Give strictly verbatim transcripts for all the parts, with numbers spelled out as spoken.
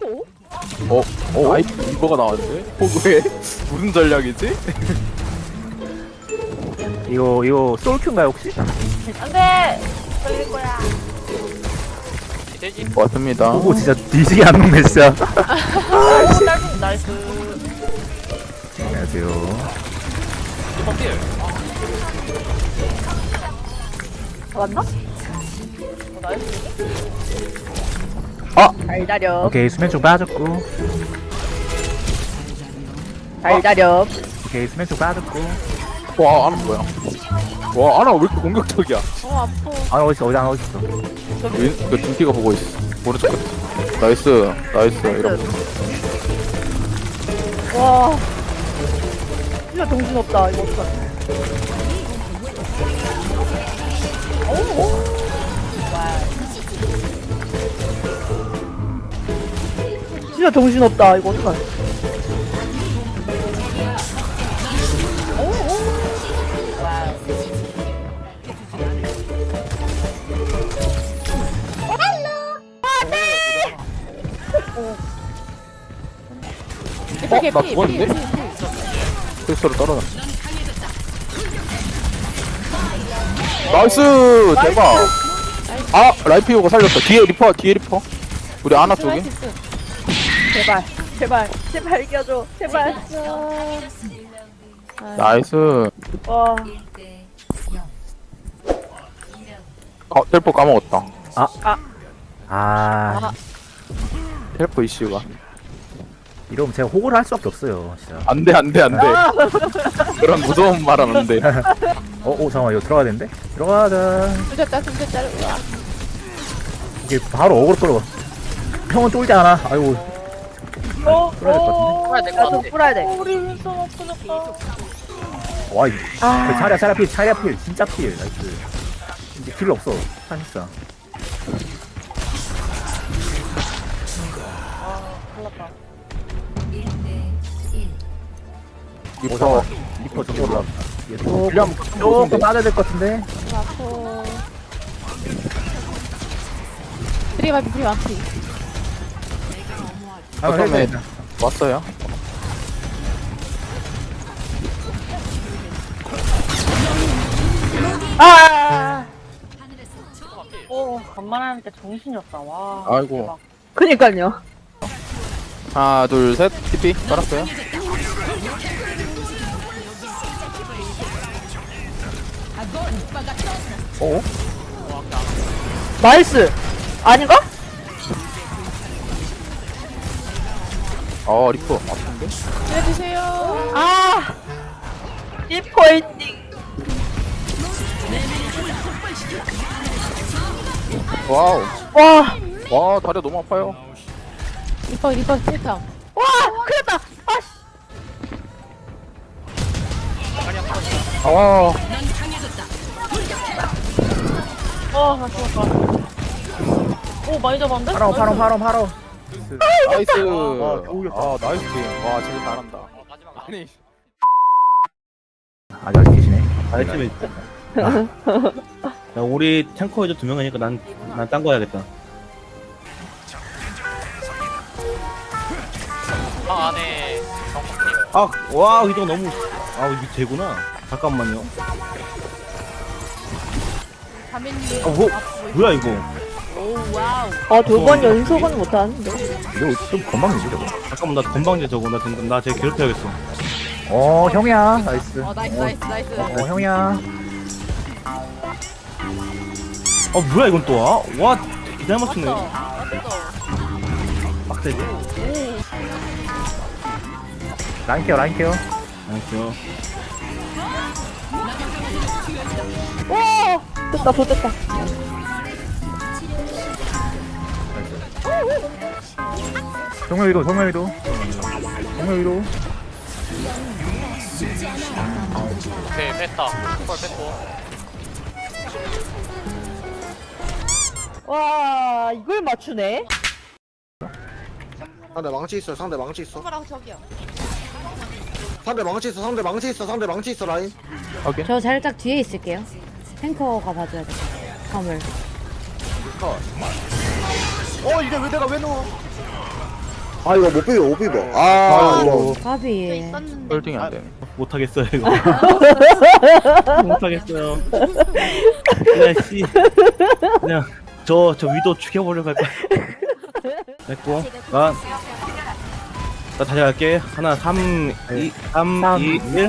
포? 어? 어? 아이 이거가 나왔는데? 포그에? 무슨 전략이지? 이거 이거 솔큐인가요 혹시? 안돼! 걸릴 거야. 돼지 왔습니다. 오고 진짜 뒤지게 안 녹네 진짜. 오, 딸기 나이스. 안녕하세요. 이번 필 맞나? 어, 나이스. 아! 달달엽. 오케이 수면 쪽 빠졌고. 달달엽. 오케이 수면 쪽 빠졌고. 와 아나 뭐야? 와 아나 왜 이렇게 공격적이야? 어, 아파. 아 어딨어 어디 하나 어딨어. 윈, 그 둠피가 보고 있어. 오른쪽 끝. 나이스 나이스 이런 거. 와. 진짜 정신없다. 이거 어떡하지? 오, 와. 진짜 정신없다. 이거 어떡하지? 오, 오. 와. 어? 나 죽었는데? 크리스로 떨어졌어. 나이스 대박. 아 라이피오가 살렸다. 뒤에 리퍼 뒤에 리퍼. 우리 아나 쪽에. 제발, 제발, 제발 이겨줘. 제발. 나이스. 와. 어 텔포 까먹었다. 아 텔포 이슈가. 이러면 제가 호구를 할 수밖에 없어요 진짜. 안돼 안돼 안돼. 그런 무서운 말은 안돼. 어, 어 잠깐만 이거 들어가야 되는데? 들어가자. 숨겼다, 숨겼다. 우와. 이게 바로 어그로 끌어. 형은 쫄지 않아. 아이고 어, 풀어야 될것 풀어야 될것 야, 좀 같아. 풀어야 돼. 우리 윈선 없어졌다. 와 이. 아. 그 차례 차례 필 차례 필 진짜 필 나이스. 이제 필요 없어 사실상. 몰랐다. 리퍼. 리퍼 저기 올라왔다. 얘 오, 그냥 조금 빠져야 될 것 같은데. 아파. 프리 마피, 프리 마피. 아, 어쩌면 해야 돼. 왔어요. 아! 오, 간만하니까 정신이 없다. 와. 아이고. 대박. 그니까요. 하나 둘 셋. 티피 깔았어요. 어? 나이스! 아닌가? 어 리퍼 아픈데? 해주세요. 아! 리퍼 엔딩. 와우. 와! 와 다리 너무 아파요. 리퍼, 리퍼 세탕. 와! 큰일 났다! 아씨! 아 어, 나 죽었다. 오, 많이 잡았는데? 파로 파로 파로 파로. 나이스. 아, 겨우였다. 아 나이스 팀. 와 진짜 잘한다. 아니. 아직 아직 계시네. 아이템이 야, 우리 탱커 이제 두 명이니까 난 난 딴 거 해야겠다. 방 안에 정확히 아, 와, 이거 너무 아, 이게 되구나. 잠깐만요. 아, 뭐 뭐야 이거? 아, 두 번 연속은 못하는데. 이거 좀 건방지지 저거. 잠깐만 나 건방지 저거 나 된다. 나쟤 괴롭혀야겠어. 어 형이야 나이스. 어, 나이스, 나이스, 나이스. 어 형이야. 아, 뭐야 이건 또 와? 와, 기잘 맞추네. 빡세지. 라인 케어 라인 케어. 알았어. 오! 됐다, 더 됐다. 정면 위도 정면 위도. 정면 위도. 오케이 뺐다 펄 뺐고 와, 이걸 맞추네? 상대 망치 있어 상대 망치 있어 손가락 저기요. 상대 망치 있어 상대 망치 있어 상대 망치 있어 라인 확인. 저 살짝 뒤에 있을게요. 탱커가 봐줘야 돼. 화물. 어 이게 왜 내가 왜 넣어? 아 이거 못 비벼 못 비벼 아 이거 까비. 있었는데. 홀딩이 안 되네. 못하겠어요 이거. 못하겠어요. 그냥 씨 그냥 저 저 위도 죽여버리고 갈 거야. 됐고 나, 나 다시 할게. 하나 삼 이 삼 삼, 이 일.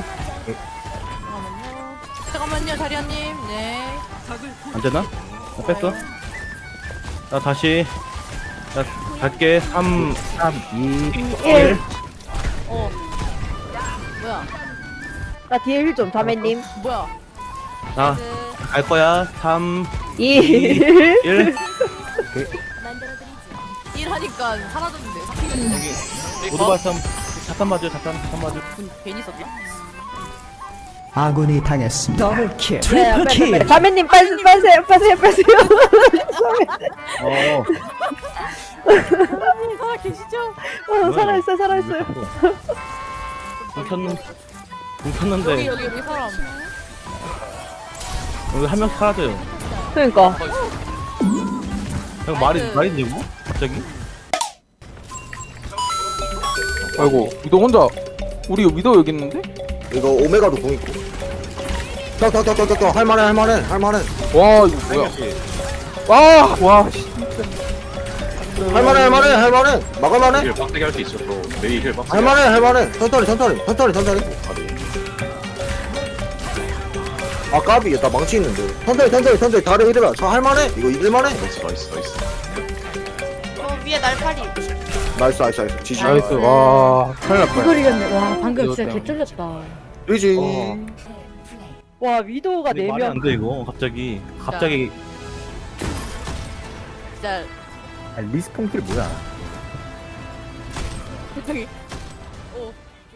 잠깐만요. 잠깐만요, 자리아님. 네. 안 되나? 나 뺐어. 나 다시 나 갈게. 삼 삼, 이, 일. 어. 뭐야? 나 뒤에 힐 좀, 다매님. 뭐야? 나 갈 거야. 삼 이. 일. 일 하니까 사라졌는데. 여기 오토바삼 잠깐 맞아. 잠깐 잠깐 맞아. 분 괜히 썼다. 아군이 당했습니다. 더블킬. 네, 빨리, 트리플킬. 빨리. 다매님, 빨리, 빼세요, 빼세요, 빼세요. 어. 살아 계시죠? 어, 살아있어요, 살아있어요. 불 켰는 불 여기 켰는데 여기 여기 사람. 여기 한 명 사라져요. 그니까. 형 말이 나이스. 말이 되고 갑자기? 아이고 위도 혼자. 우리 위도 여기 있는데? 이거 오메가도 공 있고 턱턱턱턱턱 할만해 할만해 할만해 와 이거 뭐야? 와, 와, 씨. 할만해 할만해 할만해 막을만해 힐 빡세게 할 수 있어. 또 메이 힐 빡세게. 할만해 할만해 천천히 천천히 천천히 천천히 아 까비 나 망치 있는데 천천히 천천히 천천히 다리 이래라 저 할만해 이거 이길만해 나이스 나이스 나이스. 어 위에 날파리. 나이스 나이스 나이스 지지 나이스. 와, 큰일 날 뻔. 이걸 이겼네. 와, 방금 이거 진짜 때문에. 개쫄렸다. 지지 어. 와, 위도우가 근데 네 말이 명. 안 돼 이거 갑자기 갑자기 진짜 아, 리스폰 킬 뭐야? 세상에. 어.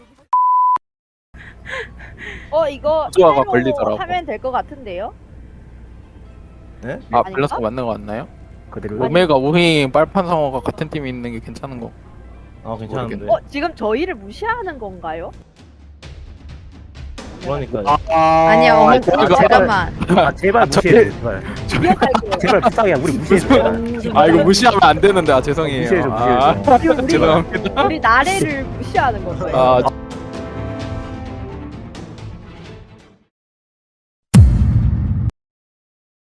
어, 이거 부조화가 이대로 걸리더라고. 하면 될 것 같은데요? 네? 아, 아닌가? 밸런스가 맞는 거 같나요? 그대로. 오메가 우잉 빨판 상어가 같은 팀에 있는 게 괜찮은 거. 어 괜찮은데 어, 지금 저희를 무시하는 건가요? 그러니까 아, 아니야, 어머, 제가- 잠깐만. 아, 제발 저- 무시해. 제발. 기억할게요. 제발 부탁이야. 우리 무시해. 제발. 아 이거 무시하면 안 되는데 아 죄송해요. 무시해줘, 아, 무시해줘. 우리, 죄송합니다. 우리 나래를 무시하는 거예요. 아